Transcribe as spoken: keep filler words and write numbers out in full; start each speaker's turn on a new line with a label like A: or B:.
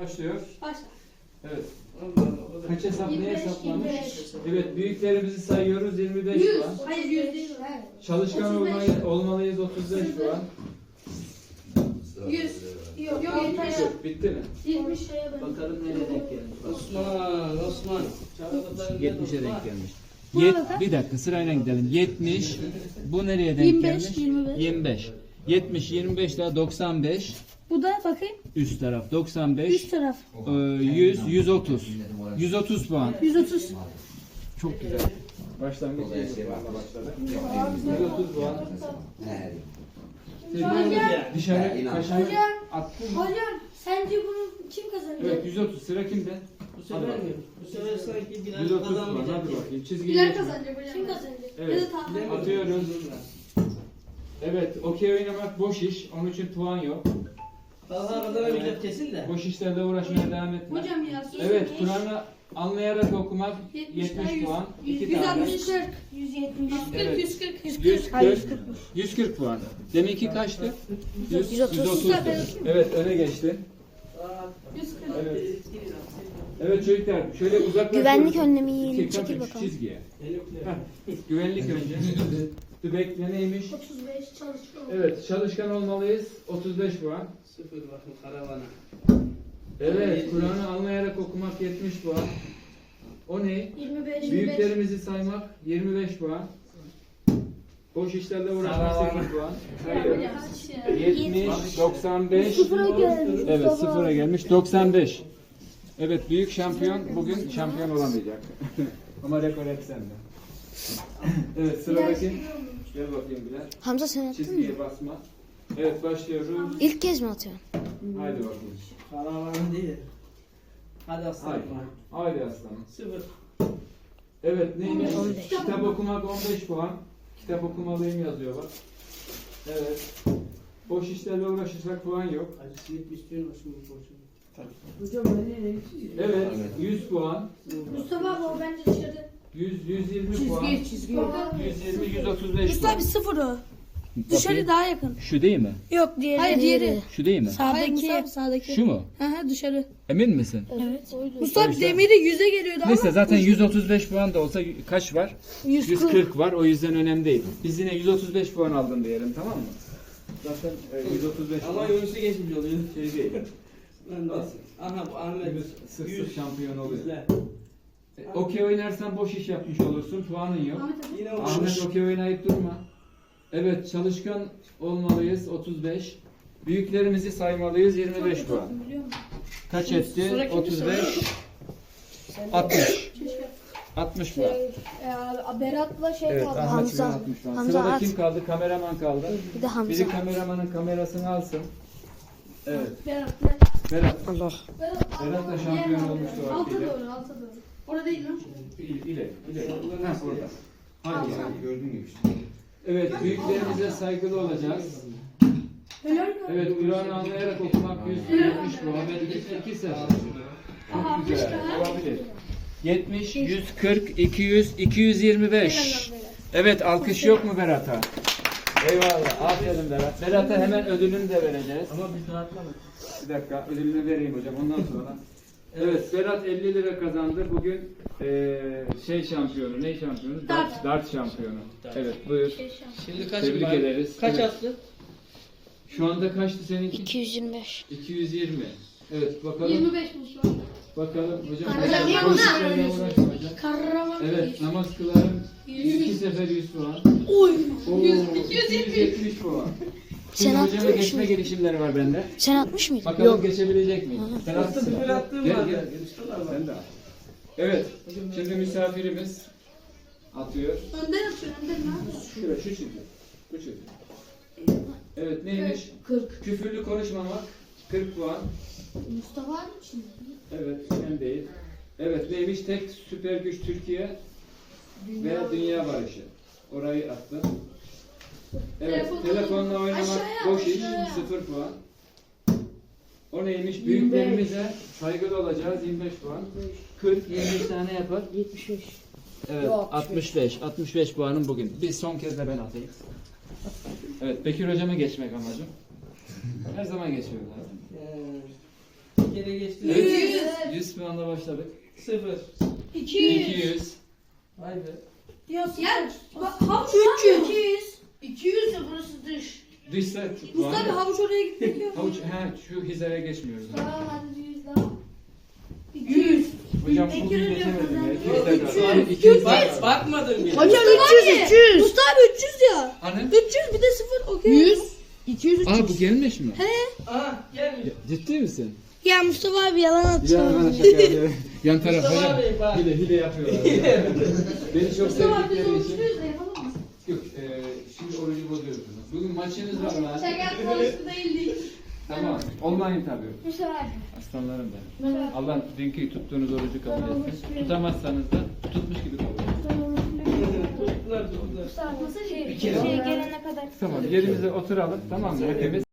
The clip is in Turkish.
A: Başlıyor.
B: Başla.
A: Evet. Kaç hesap ne
B: yirmi beş,
A: hesaplamış?
B: yirmi beş.
A: Evet, büyüklerimizi sayıyoruz yirmi beş
B: yüz.
A: puan.
B: Hayır yüz değil.
A: Çalışkan
B: otuz beş.
A: olmayı, olmalıyız otuz beş puan.
B: yüz. Yok yok yetmiş.
A: Bitti mi?
B: yetmiş şeye ben.
C: Bakalım nereye denk gelmiş. Osman, Osman.
D: yetmişe denk gelmiş. Yet, bir dakika sırayla gidelim. yetmiş. Bu nereye denk
B: yirmi beş,
D: gelmiş?
B: yirmi beş.
D: yirmi beş. yetmiş, yirmi beş daha doksan beş.
B: Bu da bakayım.
D: Üst taraf doksan beş.
B: Üst taraf.
D: Ee, yüz, yüz otuz. yüz otuz puan.
B: yüz otuz.
D: Çok güzel.
A: Başlangıç iyi başladı. yüz otuz puan.
B: Hocam.
A: Dışarı kaşar
B: Hocam.
A: attın mı?
B: Hocam sence bunu kim kazanacak?
A: Evet, yüz otuz. Sıra kimde?
C: Bu sefer mi? Bu sefer sanki Bilal
A: yüz otuz puan.
C: kazanmayacak.
A: Hadi bakayım. Çizgiyi
B: Bilal
A: geçme.
B: kazanacak hocam. Kim kazanacak?
A: Evet.
B: Ya da Taha.
A: Atıyoruz. Evet, okey oynamak boş iş. Onun için puan yok.
C: Talha kazanamayacak kesin de.
A: Boş işlerle uğraşmaya devam etme.
B: Hocam ya.
A: Evet, Kur'an'ı anlayarak okumak
B: yetmiş,
A: yetmiş puan. iki
B: yüz
A: tane.
B: altmış kırk. yüz yetmiş.
A: Evet.
B: yüz kırk. yüz
A: yüz
B: kırk. Hayır,
A: kırk. yüz kırk puan. Deminki kaçtı? yüz,
B: yüz otuz.
A: yüz otuzdu. Evet, öne geçti.
B: yüz kırk.
A: Evet. Evet çocuklar, şöyle uzaklaşıyoruz.
E: Güvenlik önlemi yiyelim,
A: Dikkat
E: çekil
A: şu
E: bakalım.
A: çizgiye. Heh, güvenlik önce. Dübekle neymiş?
B: otuz beş çalışkan.
A: Evet, çalışkan olmalıyız. otuz beş puan.
C: Sıfır bakın karavana.
A: Evet, Kur'an'ı anlayarak okumak yetmiş puan. O ne?
B: yirmi beş.
A: Büyüklerimizi saymak yirmi beş puan. Boş işlerle uğraşmak sekiz puan. Hayır. yetmiş, doksan beş.
E: Sıfıra gelmiş.
A: Evet, sıfıra gelmiş. doksan beş. Evet, büyük şampiyon bugün şampiyon olamayacak. Ama rekor hep sende. Evet, sıradaki. Gel bakayım Bilal.
E: Hamza sen attın mı?
A: Çizgiye basma. Evet, başlıyoruz.
E: İlk kez mi atıyorsun?
A: Haydi bakalım.
C: Karavana değil. Hadi aslanım.
A: Haydi. Haydi aslanım.
C: Sıfır.
A: Evet, neymiş?
E: on beş.
A: Kitap okumak on beş puan. Kitap okumalıyım yazıyor bak. Evet. Boş işlerle uğraşırsak puan yok.
C: Acısını istiyorsun hoşuma boşuna.
F: Hocam ben ne
A: Evet, yüz puan.
B: Mustafa abi o bence dışarı.
A: yüz, yüz yirmi puan.
F: Çizgi çizgi.
A: yüz yirmi, yüz otuz beş
B: Mustafa
A: puan.
B: abi sıfır o. Dışarı
D: Bakayım.
B: daha yakın.
D: Şu değil mi?
B: Yok diğeri. Hayır diğeri.
D: Şu değil mi?
B: Sağdaki. Sağdaki.
D: Şu mu?
B: Hı hı dışarı.
D: Emin misin?
B: Evet. Mustafa abi demiri yüze geliyordu ama.
D: Neyse zaten yüz otuz beş puan da olsa kaç var?
B: yüz
D: yüz
B: kırk.
D: kırk var. O yüzden önemli değil. Biz yine yüz otuz beş puan aldın diyelim, tamam mı?
A: Zaten e, yüz otuz beş
C: Ama
A: puan
C: Yunus'u geçmiş oluyor.
A: şey değil.
C: Ben de. Aha bu Ahmet.
A: Yunus sık sık şampiyon oluyor.
C: Güzel.
A: E, Okey oynarsan boş iş yapmış olursun. Puanın yok.
B: Ahmet abi.
C: Yine
A: Ahmet
C: olmuş.
A: okey oynayıp durma. Evet, çalışkan olmalıyız otuz beş. Büyüklerimizi saymalıyız yirmi beş puan.
B: Biliyor musun?
A: Kaç etti?
B: Sıra kimde
A: otuz beş.
B: sıra?
A: altmış.
B: Keşke.
A: altmış puan.
B: Ee, Berat'la şey
A: Evet,
B: kaldı.
A: Ahmet
E: Hamza.
A: Hamza. altmış puan.
E: Hamza
A: Sırada
E: at.
A: kim kaldı? Kameraman kaldı.
E: Bir de Hamza.
A: Biri kameramanın kamerasını alsın. Evet.
B: Berat.
A: Berat.
E: Allah.
B: Berat,
A: Berat da şampiyon olmuştu
B: Alta
A: vaktiyle.
B: doğru, alta doğru. Orada değil lan.
A: İle, ile. Ha, orada. Hadi ya, gördün gibi işte. Evet, büyüklerimize saygılı olacağız.
B: Helal mi?
A: Evet, Kur'an'ı anlayarak okumak yüz yetmiş puan ve iki, iki sefer.
B: Aha,
A: Çok güzel,
B: başka?
A: olabilir. yetmiş, yüz kırk, iki yüz, iki yüz yirmi beş. Evet, alkış yok mu Berat'a? Eyvallah, aferin Berat. Berat'a hemen ödülünü de vereceğiz.
C: Ama biz rahatlamadık.
A: Bir dakika, ödülünü vereyim hocam, ondan sonra. Evet, Berat elli lira kazandı. Bugün eee şey şampiyonu, ne şampiyonu? Dart, dart şampiyonu. Evet, buyur.
C: Şimdi kaç
A: Tebrik
C: var?
A: ederiz.
C: Kaç
A: Evet.
C: attı?
A: Şu anda kaçtı seninki?
E: iki yüz yirmi beş.
A: iki yüz yirmi. Evet, bakalım.
B: yirmi beş Mustafa.
A: Bakalım hocam.
B: Hocam,
A: hocam,
B: bu
A: işlerle
B: ne?
A: uğraşma hocam.
B: Kahraman.
A: Evet, namaz kılarım.
B: Yüz.
A: iki sefer yüz puan.
B: Oy.
A: Oo,
B: Yüz,
A: iki yüz yetmiş puan.
E: Sen
A: Şimdi
E: attın
A: hocama
E: mı
A: geçme
E: şimdi?
A: girişimleri var bende.
E: Sen atmış mıydın?
A: Bakalım geçebilecek miyim? Sen attın mı?
C: Sıfır attığım
A: Gel
C: var.
A: gel. Sen de at. Evet, şimdi misafirimiz atıyor.
B: Önden atıyor, önden ne yapıyorsun?
A: Şuraya, şu çizgi. Bu çizgi. Evet, neymiş?
B: kırk.
A: Küfürlü konuşmamak. kırk puan.
B: Mustafa var mı şimdi?
A: Evet, sen değil. Evet, neymiş? Tek süper güç Türkiye ve dünya barışı. Orayı attım. Evet,
B: Telefonla-
A: telefonla oynamak
B: Aşağıya,
A: boş iş.
B: aşağıya.
A: sıfır puan. O neymiş? Büyüklerimize saygılı olacağız. yirmi beş puan. kırk, yirmi beş tane yapar.
F: yetmiş beş.
A: Evet, altmış beş. altmış beş puanım bugün. Bir son kez de ben atayım. Evet, Bekir hocama geçmek amacım. Her zaman geçiyor zaten.
C: Ee, İki kere geçti.
A: Evet. yüz puanla başladık.
C: Sıfır.
B: iki
A: iki yüz.
C: Vay be.
B: Ya bak havuç üç yüz. iki yüz de burası dış.
A: Dış set.
B: Mustafa havuç oraya gitmek yok.
A: Havuç, he, şu hizaya geçmiyoruz.
B: Tamam hadi yüz daha. iki yüz.
A: Hocam
B: İki
A: bugün
B: yüz
A: geçemedim ya.
B: yapacağız.
A: iki yüzde iki yüz.
C: Bak, bakmadın bile.
B: Hocam üç yüz üç yüz. Mustafa üç yüz ya.
A: Hani?
B: üç yüz bir de sıfır okey. yüz. iki yüz üç yüz.
A: Aa bu gelmiş mi?
C: Aha gelmiş.
A: Ciddi misin?
E: Ya Mustafa abi yalan
A: Ya
E: atıyor.
A: bana şaka yapıyorum. Yan taraf
C: Mustafa
A: hocam.
C: abi, bak.
A: Hile hile yapıyorlar. Beni çok
B: Mustafa biz
A: sevdikleri
B: üç
A: için.
B: yüz de yapalım mı?
A: Yok, e, şimdi orucu bozuyoruz. Bugün maçınız var lan.
B: Şeker konuştu değildik.
A: Tamam. Online tabii.
B: Mustafa abi.
A: Aslanlarım benim. Allah dünkü tuttuğunuz orucu kabul etsin. Tutamazsanız da tutmuş gibi kabul etsin.
C: Tuttular tuttular.
B: Mustafa nasıl şey?
A: Bir kere.
B: Şey gelene kadar.
A: Tamam yerimize oturalım. Tamam mı hepimiz?